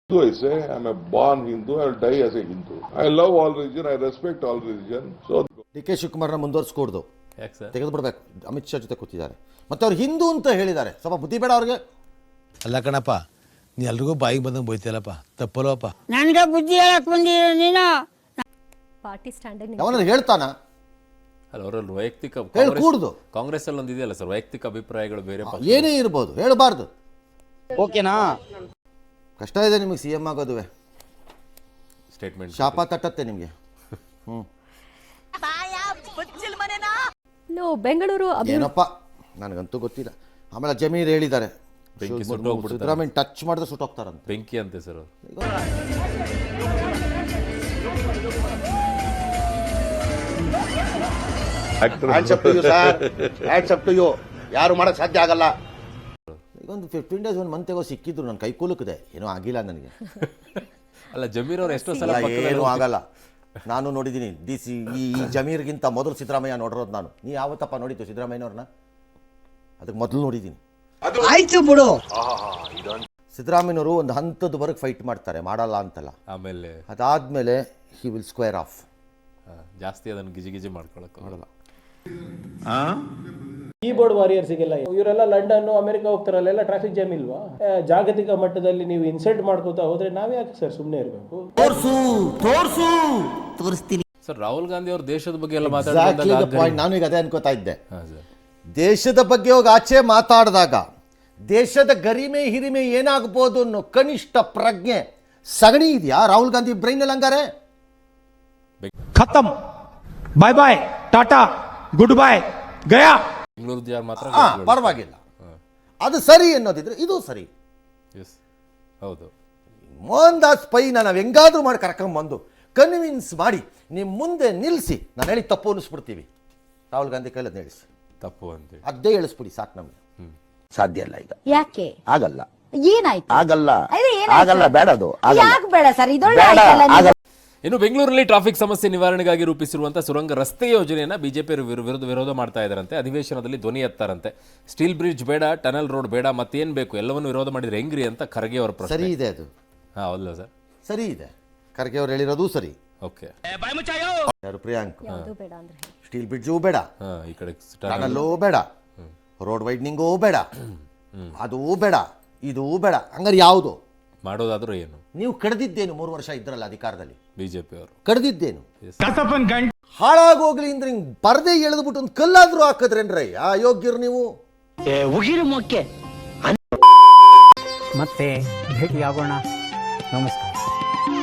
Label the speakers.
Speaker 1: I say I'm a born Hindu. I will die as a Hindu. I love all religion. I respect all religion. So
Speaker 2: DK. ಶಿವಕುಮಾರ್ನ ಮುಂದುವರಿಸ್ಕೊಡ್ದು
Speaker 3: ಯಾಕೆ sir?
Speaker 2: ತೆಗೆದು ಬಿಡಬೇಕು. ಅಮಿತ್ ಶಾ ಜೊತೆ ಕೂತಿದ್ದಾರೆ ಮತ್ತು ಅವ್ರು ಹಿಂದೂ ಅಂತ ಹೇಳಿದ್ದಾರೆ. ಸ್ವಲ್ಪ ಬುದ್ಧಿ ಬೇಡ ಅವ್ರಿಗೆ.
Speaker 4: ಅಲ್ಲ ಕಣಪ್ಪ, ನೀ ಎಲ್ರಿಗೂ ಬಾಯಿಗೆ ಬಂದಂಗೆ ಬೈತಿಯಲ್ಲಪ್ಪ, ತಪ್ಪಲ್ವಪ್ಪ.
Speaker 5: ನನಗೆ ಬುದ್ಧಿ ಹೇಳಕ್ ಬಂದಿರೋ ನೀನು
Speaker 6: ಪಾರ್ಟಿ ಸ್ಟ್ಯಾಂಡ್
Speaker 2: ಅವನಲ್ಲಿ ಹೇಳ್ತಾನ
Speaker 3: ಅಲ್ಲ, ಅವರಲ್ಲಿ ವೈಯಕ್ತಿಕ
Speaker 2: ಹೇಳ್ಕೂಡ್ದು.
Speaker 3: ಕಾಂಗ್ರೆಸ್ ಅಲ್ಲಿ ಒಂದು ಇದೆಯಲ್ಲ ಸರ್, ವೈಯಕ್ತಿಕ ಅಭಿಪ್ರಾಯಗಳು ಬೇರೆ
Speaker 2: ಏನೇ ಇರ್ಬೋದು, ಹೇಳಬಾರ್ದು.
Speaker 5: ಓಕೆನಾ?
Speaker 2: ಕಷ್ಟ ಇದೆ ನಿಮಗೆ ಸಿ ಎಂ ಆಗೋದುವೆ.
Speaker 3: ಸ್ಟೇಟ್ಮೆಂಟ್
Speaker 2: ಶಾಪ ತಟ್ಟತ್ತೆ ನಿಮಗೆ.
Speaker 6: ಬೆಂಗಳೂರು
Speaker 2: ಏನಪ್ಪ ನನಗಂತೂ ಗೊತ್ತಿಲ್ಲ. ಆಮೇಲೆ ಜಮೀರ್ ಹೇಳಿದ್ದಾರೆ
Speaker 3: ಬೆಂಕಿ ಸುಟ್ಟೋಗ್ಬಿಡ್ತಾರೆ.
Speaker 2: ಸಿದ್ದರಾಮಯ್ಯ ಟಚ್ ಮಾಡಿದ್ರೆ ಸುಟ್ಟೋಗ್ತಾರಂತೆ.
Speaker 3: ಬೆಂಕಿ ಅಂತೆ ಸರ್ ಅವರು.
Speaker 7: ಯಾರು ಮಾಡಕ್ ಸಾಧ್ಯ ಆಗಲ್ಲ.
Speaker 2: ಈಗ ಒಂದು 15 days 1 month ಸಿಕ್ಕಿದ್ರು ನನ್ನ ಕೈ ಕೂಲುಕಿದೆ, ಏನೂ ಆಗಿಲ್ಲ ನನಗೆ.
Speaker 3: ಅಲ್ಲ, ಜಮೀರ್ ಅವ್ರು ಎಷ್ಟೋ ಸಲ
Speaker 2: ಏನೂ ಆಗಲ್ಲ. ನಾನು ನೋಡಿದ್ದೀನಿ ಈ ಜಮೀರ್ಗಿಂತ ಮೊದಲು ಸಿದ್ದರಾಮಯ್ಯ ನೋಡಿರೋದು ನಾನು. ನೀ ಯಾವತ್ತಪ್ಪ ನೋಡಿದ್ದು ಸಿದ್ದರಾಮಯ್ಯನವ್ರನ್ನ? ಅದಕ್ಕೆ ಮೊದಲು ನೋಡಿದ್ದೀನಿ.
Speaker 5: ಆಯ್ತು ಬಿಡು.
Speaker 2: ಸಿದ್ದರಾಮಯ್ಯನವರು ಒಂದು ಹಂತದವರೆಗೆ ಫೈಟ್ ಮಾಡ್ತಾರೆ, ಮಾಡಲ್ಲ ಅಂತಲ್ಲ.
Speaker 3: ಆಮೇಲೆ
Speaker 2: ಅದಾದ್ಮೇಲೆ ಹಿ ವಿಲ್ ಸ್ಕ್ವೇರ್ ಆಫ್.
Speaker 3: ಜಾಸ್ತಿ ಅದನ್ನು ಗಿಜಿ ಮಾಡ್ಕೊಳಕ್ಕೆ
Speaker 2: ಮಾಡಲ್ಲ.
Speaker 8: ಕೀಬೋರ್ಡ್ ವಾರಿಯರ್ಸಿಗೆಲ್ಲ ಇವರೆಲ್ಲ ಲಂಡನ್ ಅಮೆರಿಕ ಹೋಗ್ತಾರಲ್ಲ, ಟ್ರಾಫಿಕ್ ಜಾಮ್ ಇಲ್ವಾ? ಜಾಗತಿಕ ಮಟ್ಟದಲ್ಲಿ ನೀವು ಇನ್ಸಲ್ಟ್ ಮಾಡ್ಕೋತಾ ಹೋದ್ರೆ ನಾವ್ ಯಾಕೆ ಸರ್ ಸುಮ್ಮನೆ ಇರಬೇಕು?
Speaker 5: ತೋರಿಸ್ತೀನಿ
Speaker 3: ಸರ್. ರಾಹುಲ್ ಗಾಂಧಿ ಅವರು ದೇಶದ ಬಗ್ಗೆ ಎಲ್ಲ
Speaker 2: Exactly the point. ನಾನು ಈಗ ಅದೇ ಅನ್ಕೋತಾ ಇದ್ದೆ.
Speaker 3: ಸರ್,
Speaker 2: ದೇಶದ ಬಗ್ಗೆ ಹೋಗಿ ಆಚೆ ಮಾತಾಡಿದಾಗ ದೇಶದ ಗರಿಮೆ ಹಿರಿಮೆ ಏನಾಗ್ಬೋದು ಅನ್ನೋ ಕನಿಷ್ಠ ಪ್ರಜ್ಞೆ ಸಗಣಿ ಇದೆಯಾ ರಾಹುಲ್ ಗಾಂಧಿ ಬ್ರೈನಲ್ಲಿ? ಹಂಗಾರೆ
Speaker 9: ಖತಮ್, bye bye, tata, good bye, ಗಯಾ.
Speaker 3: ಬೆಂಗಳೂರು ಯಾರು ಮಾತ್ರ
Speaker 2: ಪರವಾಗಿಲ್ಲ, ಅದು ಸರಿ ಅನ್ನೋದಿದ್ರೆ ಇದು ಸರಿ.
Speaker 3: ಎಸ್, ಹೌದು.
Speaker 2: ಮೋಹನ್ ದಾಸ್ ಪೈನ ನಾವು ಹೆಂಗಾದ್ರೂ ಮಾಡಿ ಕರ್ಕೊಂಬಂದು ಕನ್ವಿನ್ಸ್ ಮಾಡಿ ನಿಮ್ಮ ಮುಂದೆ ನಿಲ್ಲಿಸಿ ನಾನು ಹೇಳಿ ತಪ್ಪು ಅನ್ನಿಸ್ಬಿಡ್ತೀವಿ. ರಾಹುಲ್ ಗಾಂಧಿ ಕೈಲದ್ ಹೇಳಿಸಿ
Speaker 3: ತಪ್ಪು ಅಂತೇಳಿ
Speaker 2: ಅದೇ ಹೇಳಿಸ್ಬಿಡಿ ಸಾಕು ನಮ್ಗೆ.
Speaker 7: ಸಾಧ್ಯ ಇಲ್ಲ ಈಗ.
Speaker 5: ಯಾಕೆ
Speaker 7: ಆಗಲ್ಲ.
Speaker 5: ಏನಾಯ್ತು?
Speaker 7: ಆಗಲ್ಲ.
Speaker 5: ಅದೇ ಏನಾಯ್ತು?
Speaker 7: ಆಗಲ್ಲ. ಬೇಡ ಅದು.
Speaker 5: ಯಾಕೆ ಬೇಡ ಸರ್? ಇದೊಳ್ಳೆ
Speaker 7: ಬೇಡ.
Speaker 5: ಆಯ್ತಲ್ಲ ನೀವು.
Speaker 7: ಆಗಲ್ಲ.
Speaker 3: ಇನ್ನು ಬೆಂಗಳೂರಲ್ಲಿ ಟ್ರಾಫಿಕ್ ಸಮಸ್ಯೆ ನಿವಾರಣೆಗಾಗಿ ರೂಪಿಸಿರುವಂತಹ ಸುರಂಗ ರಸ್ತೆ ಯೋಜನೆಯನ್ನ ಬಿಜೆಪಿ ವಿರೋಧ ಮಾಡ್ತಾ ಇದ್ದಾರಂತೆ. ಅಧಿವೇಶನದಲ್ಲಿ ಧ್ವನಿ ಎತ್ತಾರಂತೆ. ಸ್ಟೀಲ್ ಬ್ರಿಡ್ಜ್ ಬೇಡ, ಟನಲ್ ರೋಡ್ ಬೇಡ, ಮತ್ತೇನ್ ಬೇಕು, ಎಲ್ಲವನ್ನು ವಿರೋಧ ಮಾಡಿದ್ರೆ ಹೆಂಗ್ರಿ ಅಂತ ಖರ್ಗೆ ಅವರ ಪ್ರಶ್ನೆ.
Speaker 2: ಸರಿ ಇದೆ ಅದು.
Speaker 3: ಹೌದಲ್ಲ ಸರ್?
Speaker 2: ಸರಿ ಇದೆ. ಖರ್ಗೆ ಅವ್ರು ಹೇಳಿರೋದು ಸರಿ.
Speaker 3: ಓಕೆ.
Speaker 2: ಯಾರು ಪ್ರಿಯಾಂಕ್?
Speaker 6: ಯಾವುದು ಬೇಡ ಅಂದ್ರೆ
Speaker 2: ಸ್ಟೀಲ್ ಬ್ರಿಡ್ಜು ಬೇಡ,
Speaker 3: ಈ ಕಡೆ
Speaker 2: ಟನಲ್ಲೂ ಬೇಡ, ರೋಡ್ ವೈಡ್ನಿಂಗು ಬೇಡ, ಅದೂ ಬೇಡ, ಇದೂ ಬೇಡ. ಹಂಗಾರೆ ಯಾವುದು
Speaker 3: ಮಾಡೋದಾದ್ರೂ ಏನು?
Speaker 2: ನೀವು ಕಡ್ದಿದ್ದೇನು? 3 ವರ್ಷ ಇದ್ರಲ್ಲ ಅಧಿಕಾರದಲ್ಲಿ,
Speaker 3: ಬಿಜೆಪಿ ಅವರು
Speaker 2: ಕಡ್ದಿದ್ದೇನು? ಹಾಳಾಗೋಗ್ಲಿ ಅಂದ್ರೆ ಹಿಂಗ್ ಪರದೆ ಎಳೆದ್ಬಿಟ್ಟು ಒಂದು ಕಲ್ಲಾದ್ರೂ ಹಾಕದ್ರೇನ್ರೈ? ಆ ಯೋಗ್ಯರು ನೀವು.
Speaker 5: ಉಗಿರು ಮೊಕ್ಕೆ.
Speaker 9: ಮತ್ತೆ ಭೇಟಿಯಾಗೋಣ. ನಮಸ್ಕಾರ.